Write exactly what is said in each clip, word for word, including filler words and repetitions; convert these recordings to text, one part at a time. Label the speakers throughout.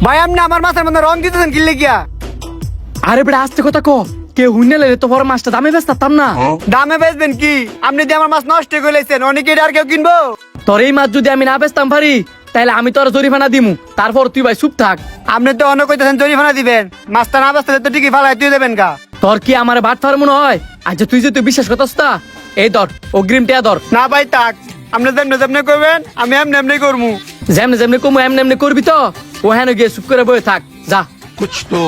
Speaker 1: ভাই আপনি আমার মাছের মধ্যে রং দিতেছেন কিনলে গিয়া?
Speaker 2: আরে বেটা আস্তে কথা ক, কেউ হুইনা লেলে তো বড় মাছটা দামে বেচতাম না।
Speaker 1: দামে বেচবেন কি? আপনি যে আমার মাছ নষ্ট করে লেছেন, অনেকে আর কেউ কিনবো?
Speaker 2: তোর এই মাছ যদি আমি না বেচতাম পারি তাহলে আমি তোর জরিমানা দিমু, তারপর তুই ভাই চুপ থাক।
Speaker 1: আপনি তো অনেক কইতেছেন জরিমানা দিবেন, মাছটা না বেচতে তো ঠিকই ফালাই তুই দেবেন গা।
Speaker 2: তোর কি আমার ভাত ফার মনে হয়? আচ্ছা তুই যে তুই বিশ্বাস করতাস তা, এই ধর অগ্রিম টিয়া ধর।
Speaker 1: না ভাই থাক, আপনি যেমনি যেমনি করবেন আমি এমনি এমনি করবো।
Speaker 2: যেমনে যেমনি কমু এমনি এমনি করবি তো, ও হ্যাঁ গিয়ে চুপ করে বয়ে থাক যা।
Speaker 3: कुछ तो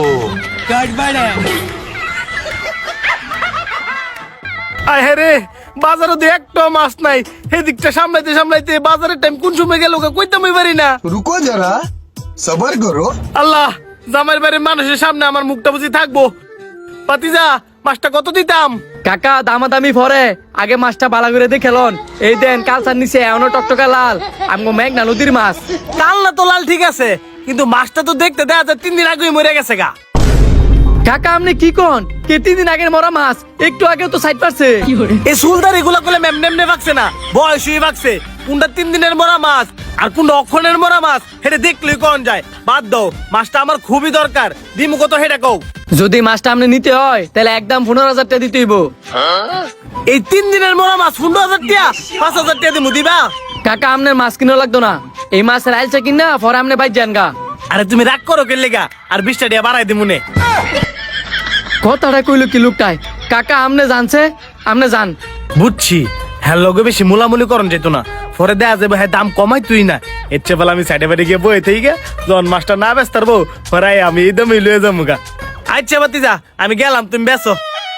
Speaker 4: আয় রে, বাজারে তো একটা মাছ নাই। এদিকটা সামলাইতে সামলাইতে বাজারের টাইম কোন সময় গেল কইতাম পারি না।
Speaker 3: रुको जरा सबर करो।
Speaker 4: আল্লাহ, জামাইর বাড়ির মানুষের সামনে আমার মুখটা বুঝি থাকবো। পাতিজা, মাছটা কত দিতাম?
Speaker 2: কাকা দামাদামি পরে আগে মাছটা বালা করে দেখেলন। এই দেন কালচার নিচে এমন টকটকা লাল, আমগো মেঘনা নদীর মাছ।
Speaker 4: কাল্লা তো লাল ঠিক আছে, কিন্তু মাছটা তো দেখতে দেখা যায় তিন দিন আগেই মরে গেছে গা।
Speaker 2: কাকা আপনি কি কোন? কে তিন দিন আগের মরা মাছ একটু আগে তো সাইড পারছে।
Speaker 4: এই সুলদারি গুলা করলে মেমনে এমনে ভাগছে না, বয়স হয়ে ভাগছে। কোনটা তিন দিনের মরা মাছ আর কোনটা অক্ষণের মরা মাছ হেটা দেখলেই কোন যায়। বাদ দাও, মাছটা আমার খুবই দরকার। দিমু কত হেটা কও।
Speaker 2: যদি মাছটা আপনি নিতে হয় তাহলে একদম পনেরো হাজার টাকা দিতে হইব।
Speaker 4: এই তিন দিনের মরা মাছ পনেরো হাজার টাকা, পাঁচ হাজার টাকা দিমু দিবা?
Speaker 2: কাকা আপনার মাছ কিনা লাগতো না, এই মাছের আইলছে কিনা পরে আপনি বাইর যান গা।
Speaker 4: আরে তুমি রাগ করো কে লেগা? আর বিশটা টাকা বাড়াই দিমু নে।
Speaker 2: কথাটা কইলো কি লোকটাই। কাকা আমনে জানছে, আমনে জান।
Speaker 4: বুঝছি, হ্যাঁ লগে বেশি মুলামুলি করন যেত না, পরে দেয়া যাবে হ্যাঁ দাম কমাই তুই না। এর চেয়ে বলে আমি সাইডে বাইরে গিয়ে বই থেকে গিয়ে যখন মাছটা না ব্যস্ত পারবো পরে আমি এই দামই লয়ে যাবো গা। আচ্ছা বাতি যা, আমি গেলাম, তুমি বেসো।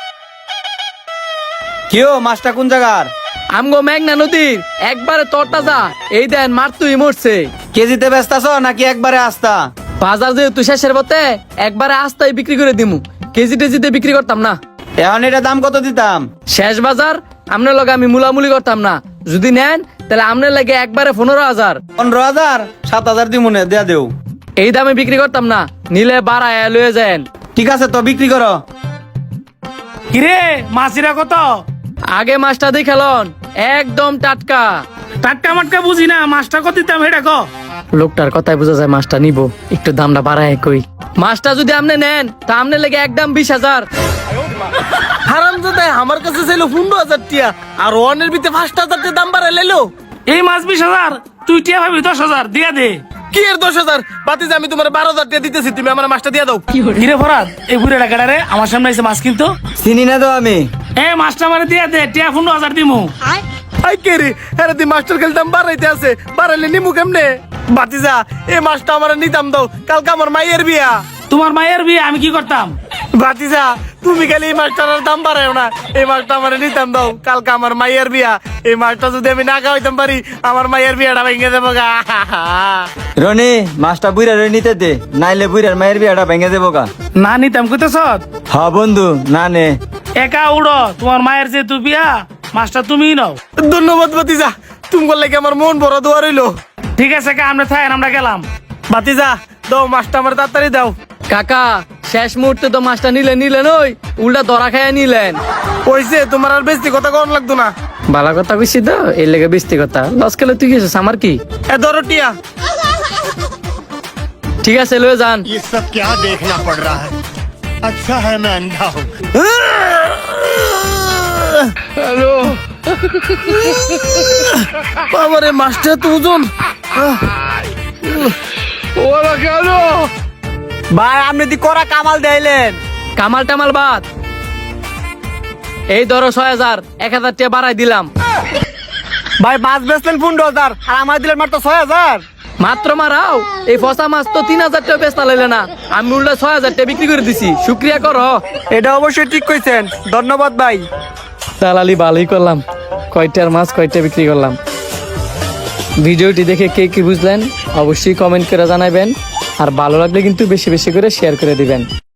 Speaker 1: কেউ মাছটা কোন জায়গার?
Speaker 2: আমগো মেঘনা নদীর একবারে তরটা যা। এই দেন মার তুই মরছে।
Speaker 1: কেজিতে ব্যস্তাছ নাকি একবারে আস্তা?
Speaker 2: বাজার যেহেতু শেষের পথে একবারে আস্তায় বিক্রি করে দিমু, কেজি টেজিতে বিক্রি করতাম না।
Speaker 1: এখন এটা দাম কত দিতাম?
Speaker 2: শেষ বাজার আপনার লগে আমি মুলামুলি করতাম না। যদি নেন তাহলে আপনার লাগে একবারে পনেরো হাজার।
Speaker 1: পনেরো হাজার সাত হাজার দিব নে, দেয়া দেও।
Speaker 2: এই দামে বিক্রি করতাম না, নিলে বাড়ায় লয়ে যান।
Speaker 1: ঠিক আছে তো বিক্রি করো।
Speaker 4: কিরে মাছিরা কত?
Speaker 2: আগে মাছটা দেখেলন, একদম টাটকা।
Speaker 4: টাটকা মাটকা বুঝি না, মাছটা কত দিতাম হেটা ক।
Speaker 2: লোকটার কথাই বোঝা যায় মাছটা নিব, একটু দামটা বাড়ায় কই। মাছটা যদি আপনি নেন তা আপনার লেগে একদম বিশ হাজার।
Speaker 4: হারাম জাদা আমার কাছে ছিল পনেরো হাজার টিয়া, আর ওয়ানের ভিতরে পাঁচ হাজার টাকা দাম বাড়াই লাইলো।
Speaker 5: এই মাছ বিশ হাজার, তুই টিয়া ভাবি দশ হাজার দিয়া দে।
Speaker 4: কি এর দশ হাজার? বাতিজা আমি তোমার বারো হাজার টাকা দিতেছি, তুমি আমার মাছটা দিয়ে দাও।
Speaker 5: কিরে ফরাদ, এই বুড়ে ডাকাটারে আমার সামনে এসে মাছ কিনতো।
Speaker 1: চিনি না তো আমি।
Speaker 5: এ মাছটা মানে দিয়া দে, টিয়া পনেরো হাজার দিমু।
Speaker 4: আই কে রে, আরে তুই মাস্টার খেলে দাম বাড়াইতে আছে, বাড়াইলে নিমু কেমনে? বাতিজা এই মাছটা আমার নিতাম দাও, কালকে আমার মাইয়ের বিয়া।
Speaker 5: তোমার মায়ের বিয়ে আমি কি করতাম?
Speaker 4: বাতিজা তুমি খালি এই মাছটার দাম বাড়াও না, এই মাছটা আমার নিতাম দাও, কালকে আমার মাইয়ের বিয়া। এই মাছটা যদি আমি না খাওয়াইতাম পারি আমার মাইয়ের বিয়াটা ভেঙে দেবো গা।
Speaker 1: রনি মাছটা বুইরা রই নিতে দে, নাইলে বুইরার মায়ের বিয়াটা ভেঙে দেবো গা।
Speaker 5: না নিতাম কইতেছ?
Speaker 1: হ বন্ধু, না নে।
Speaker 5: একা উড়ো, তোমার মায়ের যেহেতু বিয়া মাছটা তুমিই নাও।
Speaker 4: ধন্যবাদ বাতিজা, তুমি বললে কি আমার মন বড় দোয়া রইলো।
Speaker 5: ঠিক আছে কা, আমরা থাকেন, আমরা গেলাম।
Speaker 4: বাতিজা দাও মাছটা আমার তাড়াতাড়ি দাও।
Speaker 2: কাকা শেষ মুহূর্তে তো মাছটা নিলেন নিলেন ওই উল্টা ধরা খাইয়া নিলেন।
Speaker 4: ওইসে তোমার আর বেশি কথা কন লাগতো না।
Speaker 2: ভালো কথা কইছি তো, এর লেগে বেশি কথা লস খেলে তুই গেছিস আমার কি।
Speaker 4: এ ধরো টিয়া।
Speaker 2: ঠিক আছে লয়ে যান।
Speaker 6: ये सब क्या देखना पड़ रहा है? अच्छा है मैं अंधा हूँ।
Speaker 4: হ্যালো বাবারে, মাছটা তো ওজন। ওরা কেন
Speaker 1: ভাই আপনি দি করা কামাল দেইলেন।
Speaker 2: কামাল টামাল বাদ, এই ধরো ছয় হাজার, এক হাজার টাকা বাড়াই দিলাম।
Speaker 1: ভাই মাছ বেচলেন পনেরো হাজার আর আমার দিলেন মাত্র ছয় হাজার।
Speaker 2: মাত্র মারাও, এই ফসা মাছ তো তিন হাজার টাকা বেচতা লাইলে না, আমি উল্টা ছয় হাজার টাকা বিক্রি করে দিছি। শুক্রিয়া করো।
Speaker 1: এটা অবশ্যই ঠিক কইছেন, ধন্যবাদ ভাই।
Speaker 2: দালালি ভালোই করলাম, কয়টার মাছ কয়টা বিক্রি করলাম। ভিডিওটি দেখে কে কি বুঝলেন অবশ্যই কমেন্ট করে জানাবেন, আর ভালো লাগলে কিন্তু বেশি বেশি করে শেয়ার করে দিবেন।